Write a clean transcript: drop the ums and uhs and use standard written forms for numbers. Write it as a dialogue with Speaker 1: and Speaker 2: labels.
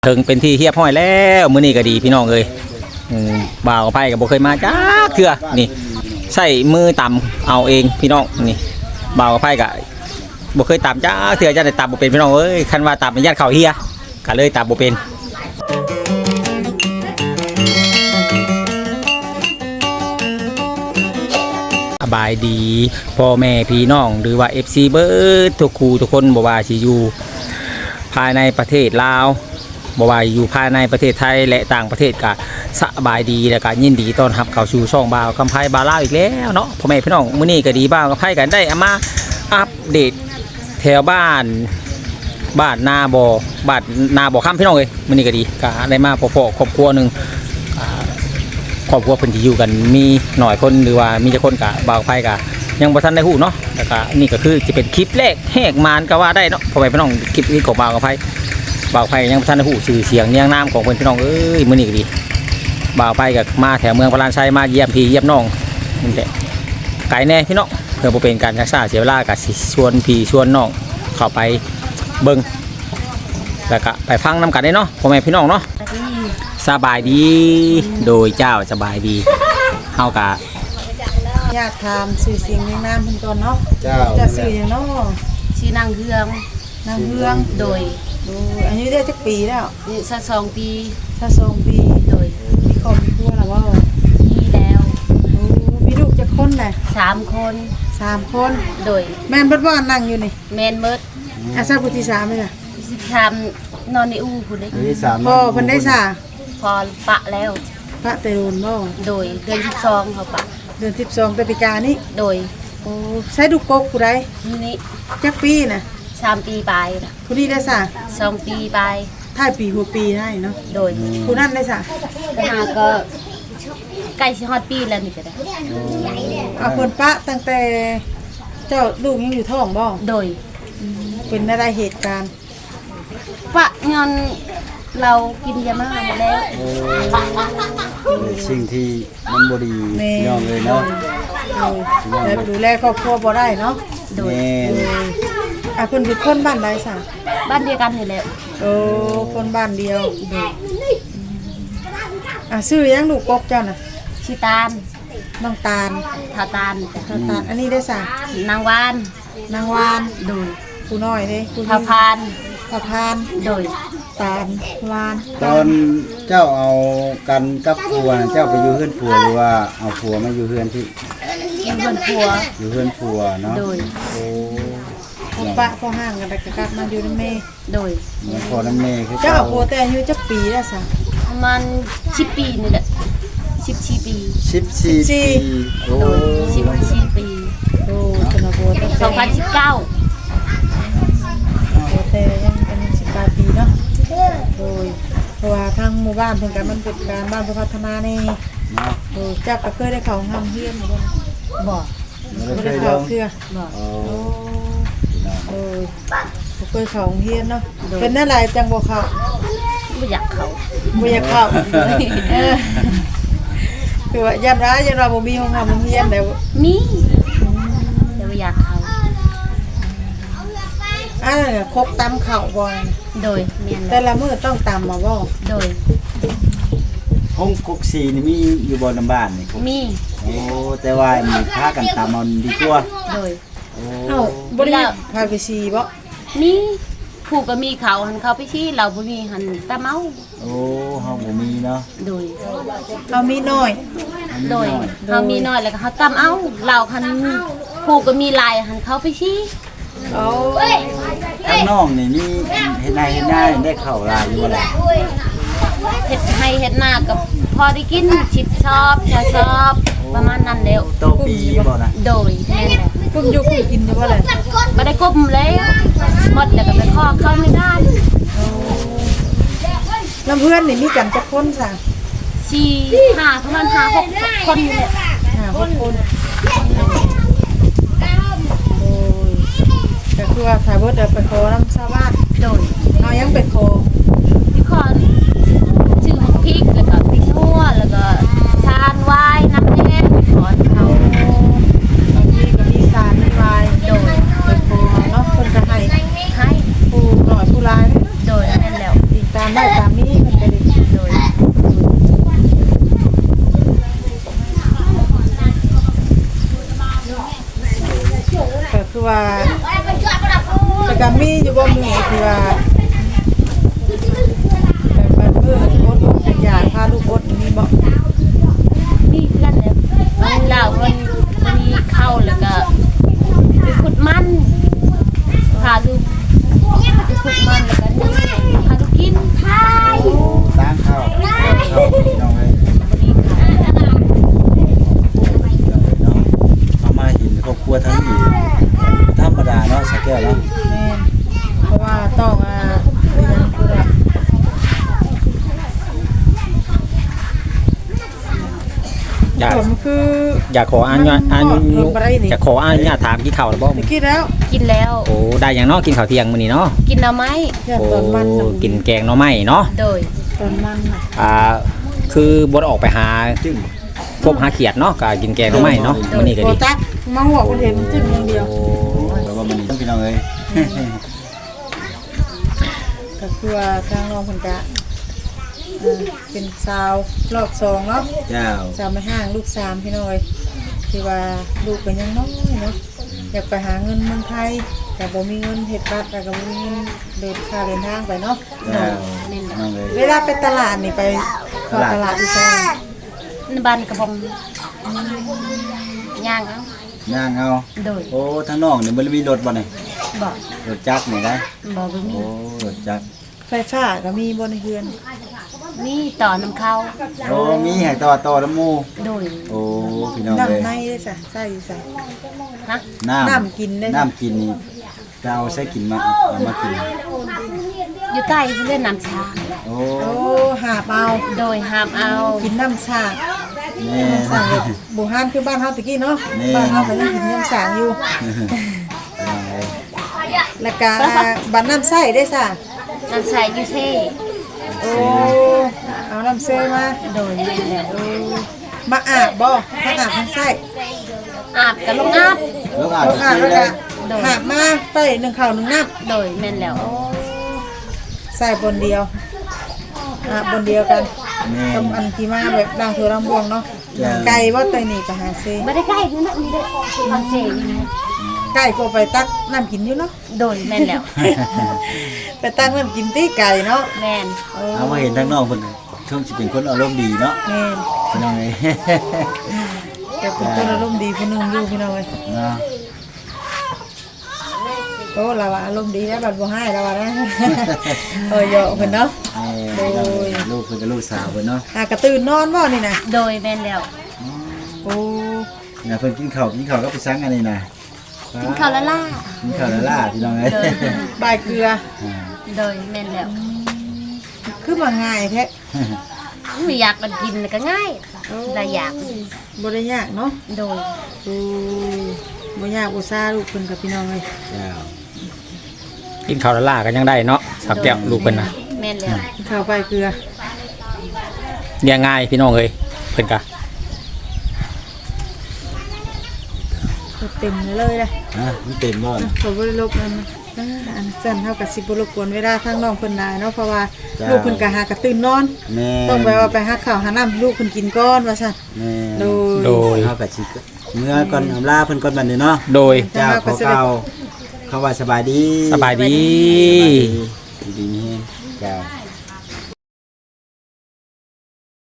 Speaker 1: ถึงเป็นที่เฮียบห้อยแล้วมื้อนี้ก็ดีพี่น้องเอ้ยบ่าวกับไผ่ก็บ่เคยมาจ้าเทื่อนี่ใส่มือตำเอาเองพี่น้องนี่บ่าวกับไผ่ก็บ่เคยตำจ้าเทื่อจะได้ตำบ่เป็นพี่น้องเอ้ยคันว่าตำเป็นญาติเขาเฮียก็เลยตำบ่เป็นสบายดีพ่อแม่พี่น้องหรือว่า FC เบิดทุกคู่ทุกคนบ่ว่าสิอยู่ภายในประเทศลาวบ่ว่าอยู่ภายในประเทศไทยและต่างประเทศก็สบายดีและก็ยินดีต้อนรับเข้าสู่ช่องบ่าวกำไพบาลาวอีกแล้วเนาะพ่อแม่พี่น้องมื้อนี้ก็ดีบ่าวกำไพกันได้เอามาอัปเดตแถวบ้านนาบ่ค่ำพี่น้องเอ้ยมื้อนี้ก็ดีก็ได้มาพอๆครอบครัวนึงครอบครัวเพิ่นที่อยู่กันมีหน่อยคนหรือว่ามีจักคนก็บ่าวกำไพก็ยังบ่ทันได้ฮู้เนาะแล้วก็นี่ก็คือจะเป็นคลิปแรกแหกมานก็ว่าได้เนาะพ่อแม่พี่น้องคลิปนี้ของบ่าวกำไพบ่าวไผ่ยังท่านได้หูชื่อเสียงเนียงน้ำของเพื่อนพี่น้องเอ้ยมื้อนี้ก็ดีบ่าวไผ่กับมาแถวเมืองพลานชัยมาเยี่ยมพี่เยี่ยมน้องนี่แหละไกลแน่พี่น้องเพื่อบ่เป็นการชักช้าเสียเวลากับชวนพี่ชวนน้องเข้าไปเบิ่งแล้วก็ไปฟังน้ำกันได้เนาะพ่อแม่พี่น้องเนาะสบายดีโดยเจ้าสบายดีเฮากะ
Speaker 2: อยากถามสื่อเสียงเรียงนามเพิ่นก่อนเนาะจะสื่อหยังเนาะ
Speaker 3: ชื่อนางเฮืองโดย
Speaker 2: อายุได้จักปีแล้ว
Speaker 3: อายุ22 ปี
Speaker 2: 22 ปี
Speaker 3: โดย
Speaker 2: มีครอบมีครัวแล้วว่า
Speaker 3: มีแล้ว
Speaker 2: มีลูกจักคนน่ะ
Speaker 3: 3 คน
Speaker 2: 3 คน
Speaker 3: โดย
Speaker 2: แม่นเบิดบ่นั่งอยู่นี่
Speaker 3: แม่นเบิด
Speaker 2: อาซาผู้ที่3เลยล่ะ
Speaker 3: ที่3นอนในอู่พุ่นเด้
Speaker 2: พ่อเพิ่นได้ซะ
Speaker 3: พอปะแล้ว
Speaker 2: พระเตรุนบ่
Speaker 3: โดยเดือน12เขาปะ
Speaker 2: เดือน12แต่ปีกานี้
Speaker 3: โดย
Speaker 2: โอ้ใช้ลูกกกผู้ใด
Speaker 3: นี่
Speaker 2: จักปีน่ะ
Speaker 3: 3 ปีไปน่ะ
Speaker 2: ผู้นี้ได้ซะ
Speaker 3: 2 ปีไป
Speaker 2: ท้ายปีหัวปีได้เนาะ
Speaker 3: โดย
Speaker 2: ผู้นั้นได้ซะ
Speaker 3: ก็ใกล้สิฮอดปีแล้วนี่ก็ได้
Speaker 2: เอาเพิ่นปะตั้งแต่เจ้าลูกยังอยู่ท้องบ่
Speaker 3: โดย
Speaker 2: เป็นอะไรเหตุการณ์
Speaker 3: ปะเงินเรากินยามาแล้ว
Speaker 4: สิ่งที่มันบ่ดียอมเลยเนาะ
Speaker 2: แล้วดูแลครอบครัวบ่ได้เนาะ
Speaker 3: โดย
Speaker 2: เพิ่นเป็นคนบ้านใดซะ
Speaker 3: บ้านเดียวกันนี่แหละ
Speaker 2: คนบ้านเดียวชื่อยังลูกกกเจ้าน่ะ
Speaker 3: ชื่อตาล
Speaker 2: น้องตาล
Speaker 3: ทาตาล
Speaker 2: อันนี้ได้ซะ
Speaker 3: นางวาน
Speaker 2: โดยผู้น้อยเด้
Speaker 3: ผู้พานโดย
Speaker 2: ตาลวาน
Speaker 4: ตอนเจ้าเอากันกับผัวเจ้าไปอยู่เฮือนผัวหรือว่าเอาผัวมาอยู่เฮือนที่
Speaker 3: อยู่เฮือนผัว
Speaker 4: เนาะ
Speaker 3: โดย
Speaker 2: ปะพอห่างกันแต่กลับมาอยู่นำแม่
Speaker 3: โดย
Speaker 4: พอนำแม่คือ
Speaker 2: เจ้าผัวแต่อายุจักปีแล้วซะ
Speaker 3: ประมาณ10 ปีนี่แหละ14 ปี
Speaker 4: 14 ปี
Speaker 3: โอ้14 ปี
Speaker 2: เป็นผัวแต่
Speaker 3: 2019
Speaker 2: ผัวแต่ยังเป็น18 ปีเนาะโดยเพราะว่าทางหมู่บ้านเพิ่นก็มันเป็นการบ้านพัฒนานี่
Speaker 4: เนาะ
Speaker 2: จักก็เคยได้เข้าห้องเรียนบ่
Speaker 3: บ่
Speaker 2: ได้เข้าเทื่อ
Speaker 3: บ่
Speaker 2: เคยเข้าห้องเรียนเนาะเป็นอะไรจังบ่เข้า
Speaker 3: บ่อยากเข้า
Speaker 2: คือว่ายันว่าบ่มีห้องเรียนแล้ว
Speaker 3: มีแต่บ่อยากเข้า
Speaker 2: คกตำข้าวบ่
Speaker 3: โดยแม่น
Speaker 2: แต่ละมื้อต้องตำมาบ่
Speaker 3: โดย
Speaker 4: ห้องกกสีนี่มีอยู่บ่นำบ้านนี่
Speaker 3: มี
Speaker 4: แต่ว่ามีพากันตำเอาดีกว่า
Speaker 3: โดย
Speaker 2: บ่ได้พาไปซีบ่
Speaker 3: มีผู้ก็มีเขาหันเขาไปชี้เราบ่มีหันตะเมา
Speaker 4: เฮาบ่มีเนาะ
Speaker 3: โดย
Speaker 2: เฮามีน้อย
Speaker 3: โดยเฮามีน้อยแล้วก็เฮาตำเอาเราหันผู้ก็มีลายหันเขาไปชี้
Speaker 4: ข้างนอกนี่มีเฮ็ดนาได้เข้าลายอยู่บ่ล่ะ
Speaker 3: เฮ็ดให้เฮ็ดนากับพอได้กินชิบชอบประมาณนั้นแล้ว
Speaker 4: โตปีบ่นะ
Speaker 3: โดยแม่นแหละ
Speaker 2: กุ้มอยู่กุ้มกินได้บ่ล่ะ
Speaker 3: บ่ได้กุ้มแล้วหมดแล้วก็ไปขอเข้าในบ้าน
Speaker 2: น้ำเพื่อนนี่มีกันจักคนซะ
Speaker 3: 5ประมาณ5-6 คนนี่แหละ
Speaker 2: 5-6 คนก็คือว่าถ้าเบิดไปขอน้ำชาวบ้าน
Speaker 3: โดย
Speaker 2: เอายังไปขอ
Speaker 3: ชื่อของพริกแล้วก็พริกนัวแล้วก็ชานวายน้ำแดงขอเขา
Speaker 2: บางทีก็มีสารมีวาย
Speaker 3: โดย
Speaker 2: ไปขอเนาะเพิ่นก็ให้ผู้น้อยผู้หลาย
Speaker 3: โดยนั่นแล้ว
Speaker 2: ติดตามได้ตามมีว่าแบบเพื่อนอดอยากพาลูกอดมีบ่
Speaker 3: มีเพื่อนแล้วเราวันนี้เข้าแล้วก็ไปขุดมันพาดูไปขุดมันแล้วก็นี่พาดูกินทาย
Speaker 4: สร้างข้าวพี่น้องเลย
Speaker 3: วันนี้ค่ะ
Speaker 4: เอามาเห็นครอบครัวทั้งนี้ธรรมดาเนาะสักแก้วเนาะ
Speaker 2: แม่นเพราะว่าต้องเรียนคือว่า
Speaker 1: อยาก
Speaker 2: ผมคือ
Speaker 1: อยากขออนุญาต
Speaker 2: ลงไปได้นี่
Speaker 1: อยากขออนุญาตถามกี่ข่าวหรือบ่
Speaker 2: ตะกี้แล้ว
Speaker 3: กินแล้ว
Speaker 1: โอ้ได้อย่างเนาะกินข้าวเที่ยงมื้อนี้เนาะ
Speaker 3: กินเอาไหม
Speaker 2: แค่
Speaker 1: โอ้
Speaker 2: ตอนมันน่ะ
Speaker 1: กินแกงหน่อไม้เนาะ
Speaker 3: โดย
Speaker 2: ตอนมันน่ะ
Speaker 1: คือบ่ได้ออกไปหา
Speaker 4: จึ้ง
Speaker 1: พบหาเขียดเนาะก็กินแกงหน่อไม้เนาะมื้อนี้ก็
Speaker 2: โบ
Speaker 1: ดี
Speaker 2: จักมาหัวคนเห็นจิ้มอย่างเดียว
Speaker 1: โอ้
Speaker 4: แต่ว่ามันนี่พี่น้องเอ้ย
Speaker 2: ก็คือว่าทางน้องคนกะเป็นสาวรอบสองเนาะ
Speaker 4: เจ้า
Speaker 2: สาวไม่ห่างลูกสามพี่น้อยที่ว่าลูกเป็นยังน้อยเนาะอยากไปหาเงินเมืองไทยแต่บ่มีเงินเฮ็ดบัตรแล้วก็บ่มีเงินเดินค่าเดินทางไปเนาะ
Speaker 4: เจ้าน้องเอ้ย
Speaker 2: เวลาไปตลาดนี่ไปเข้าตลาดอีสาน
Speaker 3: ในบ้านกระบองย่างเอา
Speaker 4: ย่างเอา
Speaker 3: โดย
Speaker 4: โอ้ทั้งน้องนี่บ่ได้มีรถบ่นี่
Speaker 3: บอก
Speaker 4: รถจักรนี่ได้
Speaker 3: บอกว่ามี
Speaker 4: โอ้รถจักร
Speaker 2: ไฟฟ้าก็มีบ่ในเฮือน
Speaker 3: มีต่อน้ำเข้า
Speaker 4: โอ้มีให้ต่อน้ำหมู่
Speaker 3: โดย
Speaker 4: โอ้พี่น้องเอ้ย
Speaker 2: น้ำในได้จ้ะใส่อยู่ใส่
Speaker 3: ฮะ
Speaker 2: น้ำกินได้
Speaker 4: น้ำกินนี่จะเอาใส่กินมาเอามากิน
Speaker 3: อยู่ใต้เพื่อนน้ำชา
Speaker 4: โอ้
Speaker 2: โอ้หาบเอา
Speaker 3: โดยห้ามเอา
Speaker 2: กินน้ำชา
Speaker 4: แม่
Speaker 2: น้ำสางแบบบูฮานคือบ้านเฮาตะกี้เนาะ
Speaker 4: นี่
Speaker 2: บ้านเฮาก็ยังกินน้ำสางอยู่
Speaker 4: พี่น้องเอ้ย
Speaker 2: แล้วก็บ้านน้ำใส่ได้ซะ
Speaker 3: น้ำใส่ยูเท่
Speaker 2: โอ้เอาน้ำเซมา
Speaker 3: โดยนี่แหละ
Speaker 2: โอ้มาอาบบ่มาอาบน้ำใส่
Speaker 3: อาบกับลงอาบ
Speaker 4: ลูกอาจ
Speaker 2: เอา
Speaker 4: จะ
Speaker 2: อาบ
Speaker 4: ซื้อ
Speaker 2: แล้ว
Speaker 4: ได้
Speaker 2: ก็หาบมาใส่หนึ่งข้าวหนึ่งน้
Speaker 3: โดยแม่นแล้ว
Speaker 2: ำใส่บนเดียวอาบบนเดียวกัน
Speaker 4: แม่
Speaker 2: กับอันที่มาแบบด่างถั่วด่างบวงเนาะไก่บ่ไตนี่ก็หาเซ
Speaker 3: ไม่ได้ใกล้นี่นะมีได้ฟังเสียงนี่นะ
Speaker 2: ไก่ก็ไปตักน้ำกินอยู่เนาะ
Speaker 3: โดยแม่นแล้ว
Speaker 2: ไปตักน้ำกินตีไก่เนาะ
Speaker 3: แม่น
Speaker 4: เอามาเห็นทั้งน้องเพิ่นช่วงสิเป็นคนอารมณ์ดีเนาะ
Speaker 2: แม่น
Speaker 4: พี่น้องเอ้ย
Speaker 2: แต่เป็นคนอารมณ์ดีผู้หนึงอยู่พี่น้องเอ้ย
Speaker 4: เนาะ
Speaker 2: โอ้เราว่าอารมณ์ดีแล้วบัดบ่ให้เราว่านะ เหยาะเพิ่นเนาะ
Speaker 4: แม่ลูกเพิ่นกับลูกสาวเพิ่นเนาะ
Speaker 2: กระตื่นนอนบ่นี่นะ
Speaker 3: โดยแม่นแล้ว
Speaker 2: โอ้
Speaker 4: เนี่ยเพิ่นกินข้าวก็ไปซังอันนี้น่ะ
Speaker 3: กินข้าวละล่า
Speaker 4: กินข้าวแล้วล่ะพี่น้องเอ้ย
Speaker 3: โดย
Speaker 2: บายเกลือ
Speaker 3: โดยแม่นแล้ว
Speaker 2: คือมาง่ายแท้
Speaker 3: ไม่อยากมันกินก็ง่ายหลายอย่าง
Speaker 2: บ่ได้ยากเนาะ
Speaker 3: โดย
Speaker 2: โอ้บ่ยากอุตส่าห์ลูกเพิ่นกับพี่น้องเอ้ย
Speaker 4: เจ้า
Speaker 1: กินข้าวละล่ากันยังได้เนาะสักแก้วลูกเพิ่นน่ะ
Speaker 3: แม่นแล้ว
Speaker 2: ข้าวบายเกลือ
Speaker 1: เลี้ยงง่ายพี่น้องเอ้ยเพิ่นก็
Speaker 2: เต็มเลยนะ
Speaker 4: มันเต็มบ่น่ะ
Speaker 2: ขอบ่ได้ลบนั่นนะอันสั่นเฮากับสิบ่รบกวนเวลาทางน้องเพิ่นได้เนาะเพราะว่า
Speaker 4: จ้า
Speaker 2: ลูกเพิ่นก็หากระตื่นนอน
Speaker 4: แม่
Speaker 2: ต้องไปว่าไปหาข้าวหาน้ำให้ลูกเพิ่นกินก่อนว่าซั่น
Speaker 4: แม่
Speaker 2: โดย
Speaker 1: โดย
Speaker 4: เฮาก็สิเมื่อก่อนอำลาเพิ่นก่อนบัดนี้เนาะ
Speaker 1: โดย
Speaker 4: เจ้าขอเก่าเขาว่าสบายดี
Speaker 1: สบายดี
Speaker 4: ดีนี่เจ้า